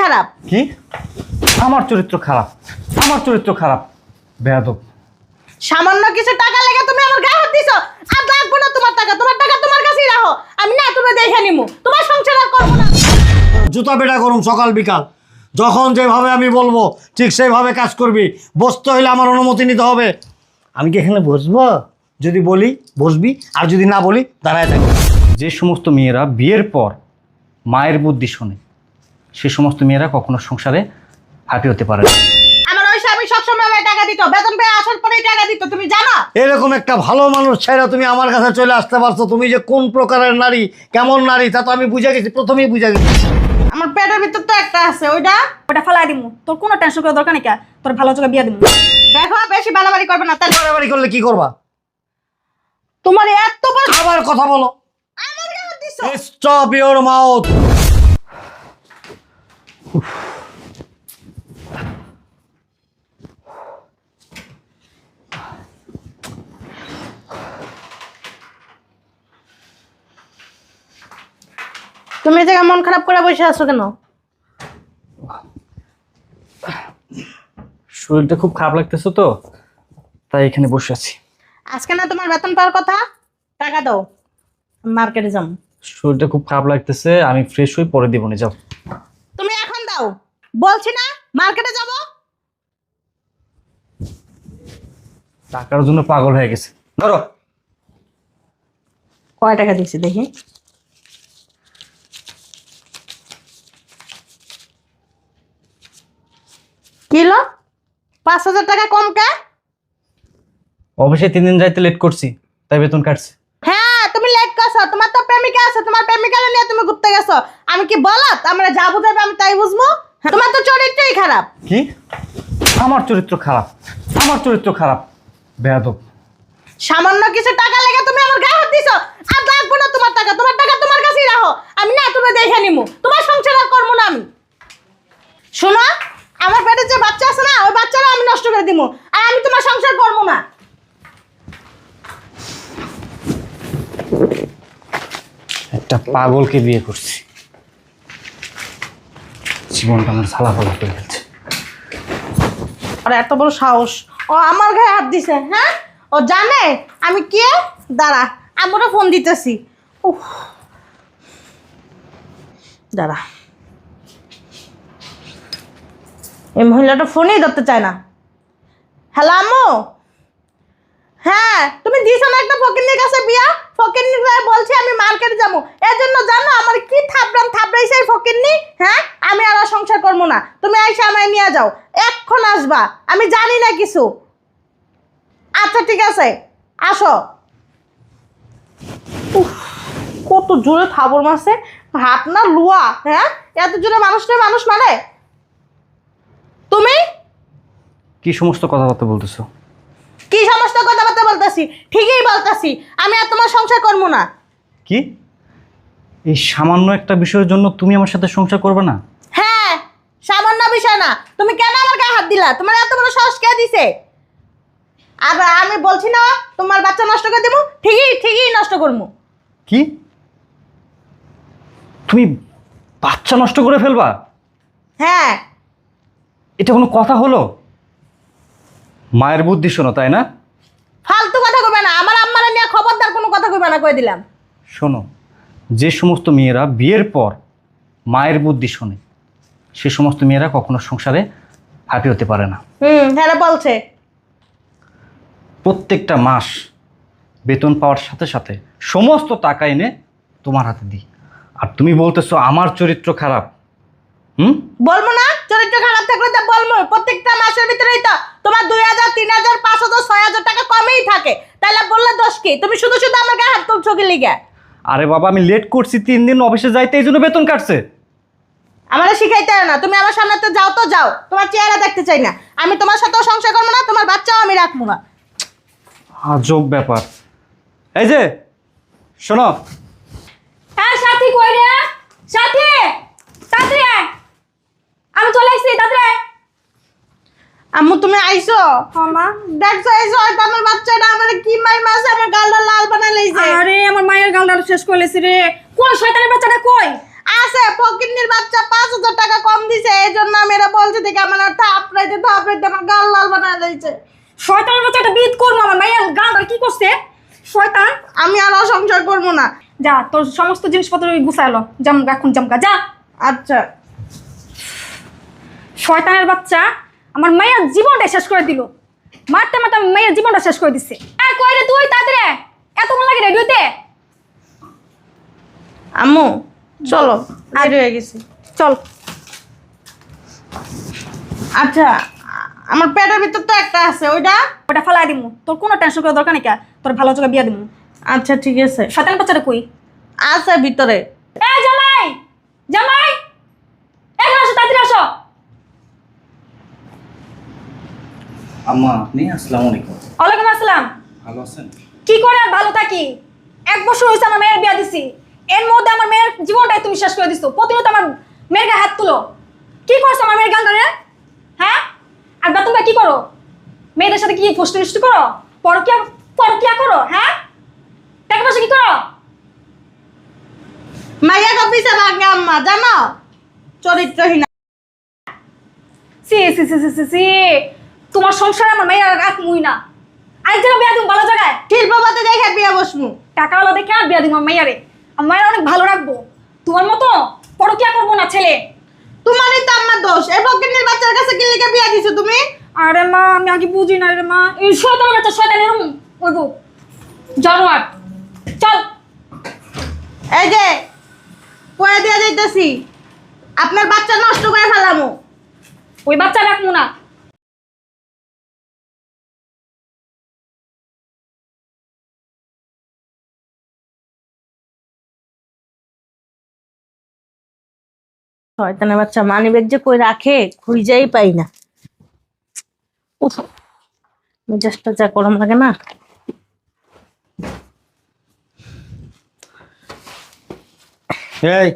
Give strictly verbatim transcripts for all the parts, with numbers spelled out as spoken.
খারাপ। কি আমার চরিত্র খারাপ? আমার চরিত্র খারাপ? বেয়াদব। সামান্য কিছু টাকা লেগে তুমি আমার গায়ে হাত দিছো। আর লাগবে না তোমার টাকা, তোমার টাকা তোমার কাছেই রাখো। আমি না তুমি দেখে নিমু, তোমার সংসার আর করবো না। জুতা পেটা করুম সকাল বিকাল, যখন যেভাবে আমি বলবো ঠিক সেইভাবে কাজ করবি। বসতে হলে আমার অনুমতি নিতে হবে। আমি কি এখানে বসবো? যদি বলি বসবি, আর যদি না বলি দাঁড়ায় থাকবি। যে সমস্ত মেয়েরা বিয়ের পর মায়ের বুদ্ধি শোনে, সে সমস্ত মেয়েরা কখনো সংসারে হাঁটি হতে পারে না। আমার ওই স্বামী সবসময় আমায় টাকা দিত, বেতন পেয়ে আসার পরেই টাকা দিত, তুমি জানো? এরকম একটা ভালো মানুষ ছেড়ে তুমি আমার কাছে চলে আসতে পারছো। তুমি যে কোন প্রকারের নারী, কেমন নারী, তা তো আমি বুঝে গেছি, প্রথমেই বুঝে গেছি। আমার পেটের ভিতর তো একটা আছে, ওইটা ওটা ফালাই দিমু, তোর কোনো টেনশন করার দরকার নেই। কা তোর ভালো চোখে বিয়া দিমু। দেখো বেশি বাড়াবাড়ি করবে না। তাহলে বাড়াবাড়ি করলে কি করবা? তোমার এত বড় আবার কথা বলো। আমার গায়ে হাত দিছো। Stop your mouth. তুমি এই জায়গায় মন খারাপ করে বসে আছো কেন? শরীরটা খুব খারাপ লাগতেছে তো, তাই এখানে বসে আছি। আজকে না তোমার বেতন পাওয়ার কথা, টাকা দাও, মার্কেটে যাও। শরীরটা খুব খারাপ লাগতেছে, আমি ফ্রেশ হই, পরে দিব না। যাও। তুমি এখন দাও, বলছি না মার্কেটে যাব। টাকার জন্য পাগল হয়ে গেছে। ধরো। কয় টাকা দিছি দেখি। কিলো পাঁচ হাজার টাকা কম কে? অফিসে তিন দিন যাইতে লেট করছি, তাই বেতন কাটছে। হ্যাঁ তুমি লেট করছো, তোমার তো প্রেমিকা আছে, তোমার প্রেমিকা নিয়ে তুমি ঘুরতে গেছো। আমি কি বলত আমরা যা বুঝাবে আমি তাই বুঝবো? তোমার তো চরিত্রই খারাপ। কি আমার চরিত্র খারাপ? আমার চরিত্র খারাপ? বেয়াদব। সামান্য কিছু টাকা লেগে তুমি আমার গায়ে হাত দিছো। আর লাগবে না তোমার টাকা, তোমার টাকা তোমার কাছেই রাখো। আমি না তুমি দেখে নিমু, তোমার সংসার আর করবো না আমি। শোনো, আমার পেটে যে বাচ্চা আছে না, ওই বাচ্চারা আমি নষ্ট করে দিমু। আর আমি তোমার সংসার করবো না। একটা পাগলকে বিয়ে করছি, জীবনটা আমার সালা ফালা করে গেছে। আর এত বড় সাহস, ও আমার গায়ে হাত দিছে। হ্যাঁ, ও জানে আমি কে? দাঁড়া, আমরা ফোন দিতেছি। উফ, দাঁড়া, এই মহিলাটা ফোনই ধরতে চায় না। হ্যালো আম্মু। হ্যাঁ, তুমি দিছো না একটা ফকিন্নির কাছে বিয়া? ফকিন্নি বলছে আমি মার্কেট যাবো, এর জন্য জানো আমার কি থাপড়ান থাপড়াইছে ফকিন্নি। হ্যাঁ, আমি আর সংসার করবো না, তুমি আইসা আমায় নিয়ে যাও। এক্ষণ আসবা, আমি জানি না কিছু। আচ্ছা ঠিক আছে, আসো। উফ, কত জোরে থাবর মারছে, হাত না লুয়া। হ্যাঁ, এত জোরে মানুষটা মানুষ মানে? তুমি কি সমস্ত কথাবার্তা বলতেছো? কি সমস্ত কথাবার্তা বলতেছি? ঠিকই বলতেছি, আমি আর তোমার সংসার করবো না। কি এই সামান্য একটা বিষয়ের জন্য তুমি আমার সাথে সংসার করবে না? হ্যাঁ, সামান্য বিষয় না। তুমি কেন আমার গায়ে হাত দিলা? তোমার এত বড় সাহস কে দিছে? আর আমি বলছি না তোমার বাচ্চা নষ্ট করে দেবো, ঠিকই ঠিকই নষ্ট করবো। কি তুমি বাচ্চা নষ্ট করে ফেলবা? হ্যাঁ। এটা কোনো কথা হলো? মায়ের বুদ্ধি শোনো, তাই না? ফালতু কথা কইবে না, আমার আম্মারে নিয়ে খবরদার কোনো কথা কইবে না, কই দিলাম। শোনো, যে সমস্ত মেয়েরা বিয়ের পর মায়ের বুদ্ধি শোনে, সে সমস্ত মেয়েরা কখনো সংসারে হাঁটি হতে পারে না। হুম, হ্যাঁ বলছে। প্রত্যেকটা মাস বেতন পাওয়ার সাথে সাথে সমস্ত টাকা এনে তোমার হাতে দিই, আর তুমি বলতেছো আমার চরিত্র খারাপ। হুম, বলবো না চরিত্র খারাপ থাকলে তো বলবো। প্রত্যেকটা মাসের ভিতরেই তো তোমার দুই হাজার তিন হাজার পাঁচ হাজার ছয় হাজার টাকা কমেই থাকে, তাহলে বললে দোষ কি? তুমি শুধু শুধু আমার গায়ে হাত তুলছো কি লিগে? আরে বাবা, আমি লেট করছি তিন দিন অফিসে যাইতে, এই জন্য বেতন কাটছে। আমারে শিখাইতে হয় না, তুমি আমার সামনে তো যাও তো যাও, তোমার চেহারা দেখতে চাই না। আমি তোমার সাথেও সংসার করবো না, তোমার বাচ্চাও আমি রাখবো না। আজব ব্যাপার। এই যে শোনো, হ্যাঁ সাথী কই রে? সাথী তাড়াতাড়ি আয়, আমি চলে আসছি, তাড়াতাড়ি আয়। আম্মু তুমি আইছো? হ্যাঁ মা। দেখছো আইছো, হয়তো আমার বাচ্চাটা আমার কি মাই মাসে আমার গালটা লাল বানাই লাইছে। আরে আমার মায়ের গালটা শেষ করে লেছি রে। কই শয়তানের বাচ্চাটা কই? আছে ফকিন্নির বাচ্চা, পাঁচ হাজার টাকা কম দিছে, থেকে আমার থাপড়াইতে থাপড়াইতে আমার গাল লাল বানায় দিয়েছে। শয়তানের বাচ্চা একটা বিট করবো আমার মাইয়া গানটা কি করছে শয়তান। আমি আর সংসার করবো না। যা তোর সমস্ত জিনিসপত্র গুছাইলো জামগা এখন জামগা যা। আচ্ছা শয়তানের বাচ্চা আমার মায়ের জীবনটা শেষ করে দিল। মারতে মারতে আমার মায়ের জীবনটা শেষ করে দিচ্ছে। আর কই রে তুই তাড়াতাড়ি এতক্ষণ লাগে রেডিওতে। আম্মু চলো, রেডি হয়ে গেছি। চল। আচ্ছা আমার পেটের ভিতর তো একটা আছে, ওইটা ওটা ফালাই দিমু, তোর কোনো টেনশন করার দরকার নেই। কা তোর ভালো জায়গা বিয়া দিমু। আচ্ছা ঠিক আছে। শয়তানের বাচ্চাটা কই? আছে ভিতরে। এ জামাই জামাই এখানে আসো, তাড়াতাড়ি আসো। আম্মা আপনি? আসসালামু আলাইকুম। ওয়ালাইকুম আসসালাম। ভালো আছেন? কি করে আর ভালো থাকি? এক বছর হয়েছে আমার মেয়ের বিয়া দিছি, এর মধ্যে আমার মেয়ের জীবনটাই তুমি শেষ করে দিছো। প্রতিনিয়ত আমার মেয়ের গায়ে হাত তুলো। কি করছো আমার মেয়ের গান রে? হ্যাঁ, আর বা তোমরা কি করো? মেয়েদের সাথে কি ফষ্টি নষ্টি করো? পরকিয়া পরকিয়া করো? হ্যাঁ, টাকা পয়সা কি করো? মাইয়া কপিসে ভাঙে আম্মা, জানো চরিত্রহীন। সি সি সি সি সি সি তোমার সংসারে আমার মেয়ের রাত মুই না। আরেক জায়গায় বিয়া দিম ভালো জায়গায়, শিল্পপতি দেখে বিয়ে বসমু। টাকাওয়ালা দেখে আর বিয়া দিম আমার মেয়ারে। আমার মায়ের অনেক ভালো রাখবো। তোমার মতো পরকিয়া করবো না ছেলে। তোমারই তো আমার দোষ। এই ফকিন্নির বাচ্চার কাছে কি লিখে বিয়ে দিছো তুমি? আরে মা আমি আগে বুঝি না রে মা। এই শয়তান বাচ্চা শয়তান এরকম ওইবো জানোয়ার। চল। এই যে কয়ে দিয়ে যাইতেছি, আপনার বাচ্চা নষ্ট করে ফেলামু। ওই বাচ্চা রাখবো না। শয়তানের বাচ্চা মানি ব্যাগ যে কই রাখে খুঁজেই পাই না। উফ, মেজাজটা যা গরম লাগে না। এই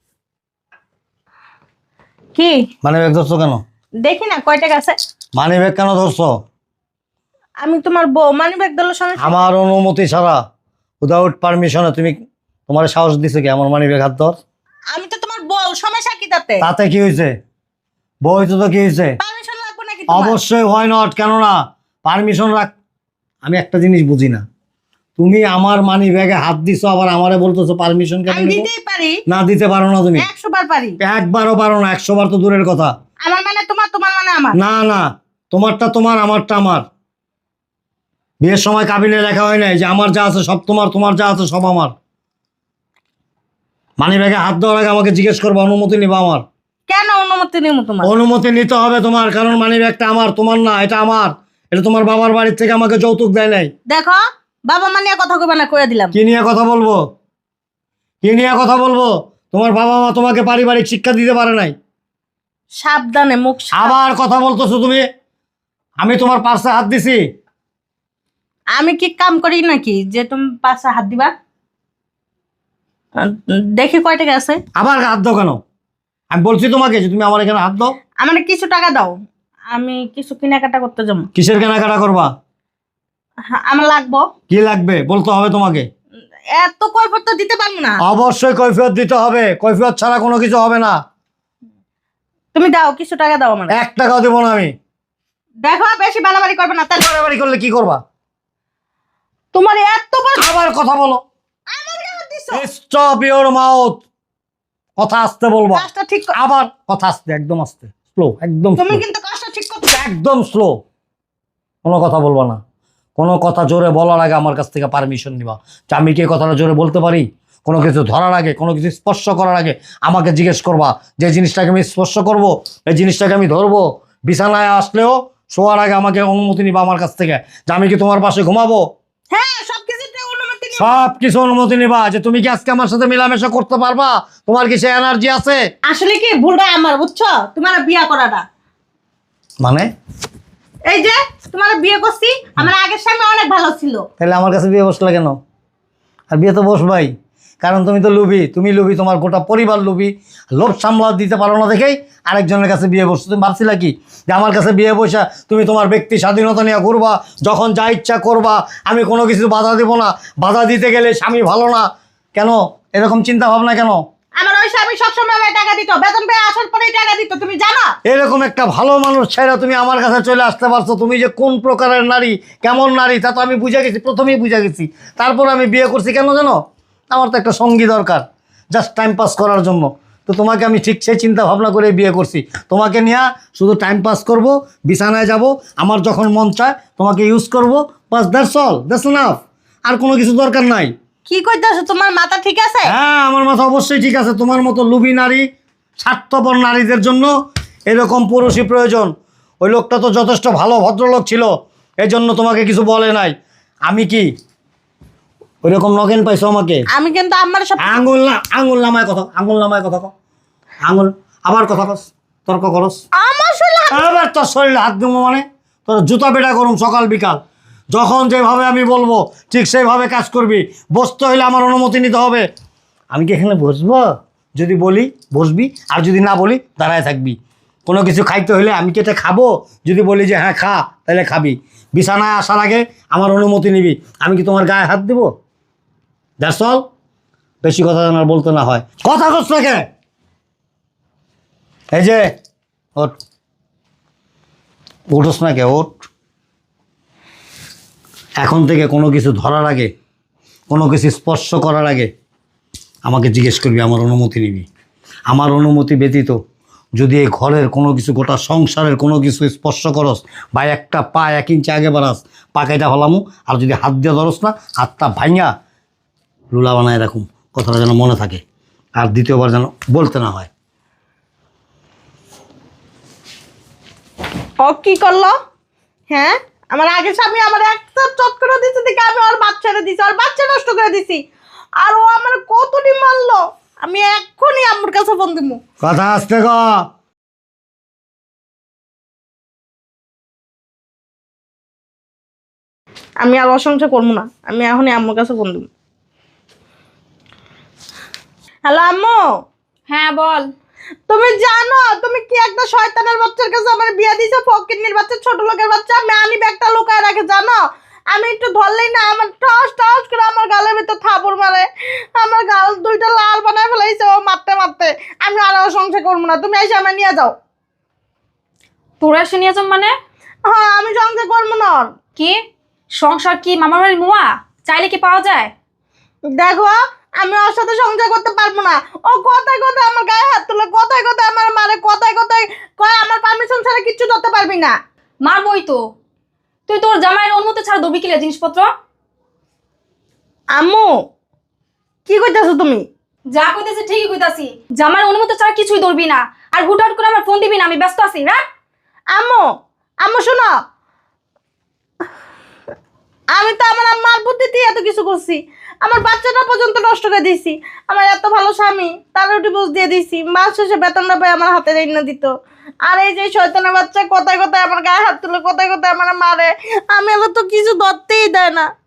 কি মানি ব্যাগ ধরছো কেন? দেখি না কয় টাকা আছে। মানি ব্যাগ কেন ধরছো? আমি তোমার বউ, মানি ব্যাগ দিল সমস্যা? আমার অনুমতি ছাড়া, উইদাউট পারমিশনে তুমি, তোমার সাহস দিছে কি আমার মানি ব্যাগ হাত ধর? আমি তো তোমার বউ, সমস্যা কি তাতে? তাতে কি হয়েছে? বই তো তো কি হয়েছে? পারমিশন লাগবে নাকি তোমার? অবশ্যই হয় নট, কেন না? পারমিশন রাখ। আমি একটা জিনিস বুঝি না, তুমি আমার মানি ব্যাগে হাত দিছো আবার আমারে বলতেছো পারমিশন কেন আমি নিব? দিতেই পারি, না দিতে পারো না তুমি। একশো বার পারি। একবারও পারো না, একশো বার তো দূরের কথা। আমার মানে তোমার, তোমার মানে আমার। না না, তোমারটা তোমার, আমারটা আমার। বিয়ের সময় কাবিনে লেখা হয় নাই যে আমার যা আছে সব তোমার, তোমার যা আছে সব আমার। মানি ব্যাগে হাত দেওয়ার আগে আমাকে জিজ্ঞেস করবো অনুমতি নিবা আমার। কেন অনুমতি নিব তোমার? অনুমতি নিতে হবে তোমার, কারণ মানি ব্যাগটা আমার, তোমার না। এটা আমার, এটা তোমার বাবার বাড়ির থেকে আমাকে যৌতুক দেয় নাই। দেখো বাবা মা নিয়ে কথা কইবা না, কইয়া দিলাম। কি নিয়ে কথা বলবো? কি নিয়ে কথা বলবো? তোমার বাবা মা তোমাকে পারিবারিক শিক্ষা দিতে পারে নাই। সাবধানে মুখ সাব- আবার কথা বলতেছো তুমি। আমি তোমার পাশে হাত দিছি? আমি কি কাম করি নাকি যে তুমি পাশে হাত দিবা? আহ, দেখি কয় টাকা আছে। আবার হাত দাও কেন? আমি বলছি তোমাকে যে তুমি আমার এখানে হাত দাও। আমার কিছু টাকা দাও, আমি কিছু কেনাকাটা করতে যাবো। কিসের কেনাকাটা করবা? হ্যাঁ, আমার লাগবো। কি লাগবে বলতে হবে তোমাকে। এত কৈফিয়ত তো দিতে পারবো না। অবশ্যই কৈফিয়ত দিতে হবে, কৈফিয়ত ছাড়া কোনো কিছু হবে না। তুমি দাও, কিছু টাকা দাও আমার। এক টাকাও দেবো না আমি। দেখো বেশি বাড়াবাড়ি করবে না, তাহলে বাড়াবাড়ি করলে কি করবা? তোমার এত বড় আবার কথা বলো। আমার গায়ে হাত দিছো। Stop your mouth. কথা আসতে বলবা। কাজটা ঠিক কর- আবার কথা আসতে, একদম আসতে, স্লো, একদম তুমি slow। কিন্তু কাজটা ঠিক করছো। একদম স্লো। কোনো কথা বলবা না। কোনো কথা জোরে বলার আগে আমার কাছ থেকে পারমিশন নিবা যে আমি কি এই কথাটা জোরে বলতে পারি। কোনো কিছু ধরার আগে, কোনো কিছু স্পর্শ করার আগে আমাকে জিজ্ঞেস করবা যে জিনিসটাকে আমি স্পর্শ করব, এই জিনিসটাকে আমি ধরবো। বিছানায় আসলেও শোয়ার আগে আমাকে অনুমতি নিবা আমার কাছ থেকে যে আমি কি তোমার পাশে ঘুমাবো। হ্যাঁ, সবকিছুতে অনুমতি নিও। সব কিছু অনুমতি নিবা যে তুমি কি আজকে আমার সাথে মেলামেশা করতে পারবা, তোমার কি সে এনার্জি আছে। আসলে কি ভুলটা আমার, বুঝছো? তোমার বিয়া করাটা, মানে এই যে তোমার বিয়ে করছি, আমার আগের স্বামী অনেক ভালো ছিল। তাহলে আমার কাছে বিয়ে বসলা কেন? আর বিয়ে তো বসবাই, কারণ তুমি তো লুবি। তুমি লুবি, তোমার গোটা পরিবার লুবি। লোভ সামলা দিতে পারো না দেখেই আরেকজনের কাছে বিয়ে বসছো। তুমি ভাবছিলা কি যে আমার কাছে বিয়ে বসা তুমি তোমার ব্যক্তি স্বাধীনতা নিয়ে ঘুরবা, যখন যা ইচ্ছা করবা, আমি কোনো কিছু বাধা দেব না। বাধা দিতে গেলে স্বামী ভালো না কেন? এরকম চিন্তা ভাবনা কেন? আমার ওই স্বামী সবসময় আমায় টাকা দিত, বেতন পেয়ে আসার পরেই টাকা দিত, তুমি জানো? এরকম একটা ভালো মানুষ ছেড়ে তুমি আমার কাছে চলে আসতে পারছো। তুমি যে কোন প্রকারের নারী, কেমন নারী, তা তো আমি বুঝে গেছি, প্রথমেই বুঝে গেছি। তারপর আমি বিয়ে করছি কেন জানো? আমার তো একটা সঙ্গী দরকার, জাস্ট টাইম পাস করার জন্য। তো তোমাকে আমি ঠিক সেই চিন্তা ভাবনা করে বিয়ে করছি। তোমাকে নিয়ে শুধু টাইম পাস করব, বিছানায় যাব, আমার যখন মন চায় তোমাকে ইউজ করব, বাস দ্যাটস অল, দ্যাটস এনাফ। আর কোনো কিছু দরকার নাই। কি কইতাছো? তোমার মাথা ঠিক আছে? হ্যাঁ, আমার মাথা অবশ্যই ঠিক আছে। তোমার মতো লুবি নারী, স্বার্থপর নারীদের জন্য এরকম পুরুষই প্রয়োজন। ওই লোকটা তো যথেষ্ট ভালো ভদ্রলোক ছিল, এই জন্য তোমাকে কিছু বলে নাই। আমি কি ওইরকম নগেন পাইছো আমাকে? আমি কিন্তু আমার সব আঙুল না, আঙুল নামায় কথা, আঙুল নামায় কথা কও। আঙুল আবার কথা কস, তর্ক করস। আমার শরীরে হাত- আবার তোর শরীরে হাত দেবো মানে? তোর জুতা পেটা করুম সকাল বিকাল। যখন যেভাবে আমি বলবো ঠিক সেইভাবে কাজ করবি। বসতে হইলে আমার অনুমতি নিতে হবে। আমি কি এখানে বসবো? যদি বলি বসবি, আর যদি না বলি দাঁড়ায় থাকবি। কোনো কিছু খাইতে হইলে আমি কি এটা খাবো? যদি বলি যে হ্যাঁ খা, তাহলে খাবি। বিছানায় আসার আগে আমার অনুমতি নিবি। আমি কি তোমার গায়ে হাত দেবো? That's all. বেশি কথা যেন আর বলতে না হয়। কথা কস না কে? এই যে ওঠ, উঠোস না কে? ওঠ। এখন থেকে কোনো কিছু ধরার আগে, কোনো কিছু স্পর্শ করার আগে আমাকে জিজ্ঞেস করবি, আমার অনুমতি নিবি। আমার অনুমতি ব্যতীত যদি এই ঘরের কোনো কিছু, গোটা সংসারের কোনো কিছু স্পর্শ করস বা একটা পা এক ইঞ্চি আগে বাড়াস, পা কাইটা ফেলামু। আর যদি হাত দিয়ে ধরস না, হাতটা ভাঙা লুলা বানায় রাখুম। কথাটা যেন মনে থাকে, আর দ্বিতীয়বার যেন বলতে না হয়। ও কি করলো? হ্যাঁ, আমার আগে স্বামী আমার একটা চট করে দিচ্ছে, দেখে আমি ওর বাচ্চাটা দিছি, ওর বাচ্চা নষ্ট করে দিছি। আর ও আমার কতটি মারলো। আমি এক্ষুনি আম্মুর কাছে ফোন দিব। কথা আসতে ক। আমি আর অসংখ্য করবো না, আমি এখনই আম্মুর কাছে ফোন দিব। হ্যালো আম্মু। হ্যাঁ বল। তুমি জানো তুমি কি একটা শয়তানের বাচ্চার কাছে আমার বিয়ে দিছো? ফকিন্নির বাচ্চা, ছোট লোকের বাচ্চা। আমি আনি ব্যাগটা লুকায় রাখে জানো? আমি একটু ধরলেই না আমার টস টস করে আমার গালের ভিতর থাপড় মারে। আমার গাল দুইটা লাল বানায় ফেলাইছে ও মারতে মারতে। আমি আর সংসার করবো না, তুমি এসে আমার নিয়ে যাও। তোরা এসে নিয়ে যাম মানে? হ্যাঁ, আমি সংসার করবো না আর। কি সংসার? কি মামার বাড়ির মুয়া চাইলে কি পাওয়া যায়? দেখো, আমি ওর সাথে সংসার করতে পারবো না। ও কথায় কথায় আমার গায়ে হাত তুলে, কথায় কথায় আমার মারে, কথায় কথায় কয় আমার পারমিশন ছাড়া কিচ্ছু ধরতে পারবি না। মারবই তো। তুই তোর জামাইয়ের অনুমতি ছাড়া ধরবি কিলে জিনিসপত্র? আম্মু কি কইতাছো তুমি? যা কইতেছি ঠিকই কইতাছি। জামাইয়ের অনুমতি ছাড়া কিছুই ধরবি না। আর হুটহাট করে আমার ফোন দিবি না, আমি ব্যস্ত আছি। রাখ। আম্মু, আম্মু শোনো, আমি তো আমার আম্মার বুদ্ধিতে এত কিছু করছি। আমার বাচ্চাটা পর্যন্ত নষ্ট করে দিয়েছি। আমার এত ভালো স্বামী, তার ডিভোর্স দিয়ে দিয়েছি। মাস শেষে বেতনটা পাই আমার হাতে রেখে দিত। আর এই যে শয়তানের বাচ্চা কথায় কথায় আমার গায়ে হাত তুলে, কথায় কথায় আমার মারে। আমি এলো তো কিছু ধরতেই দেয় না।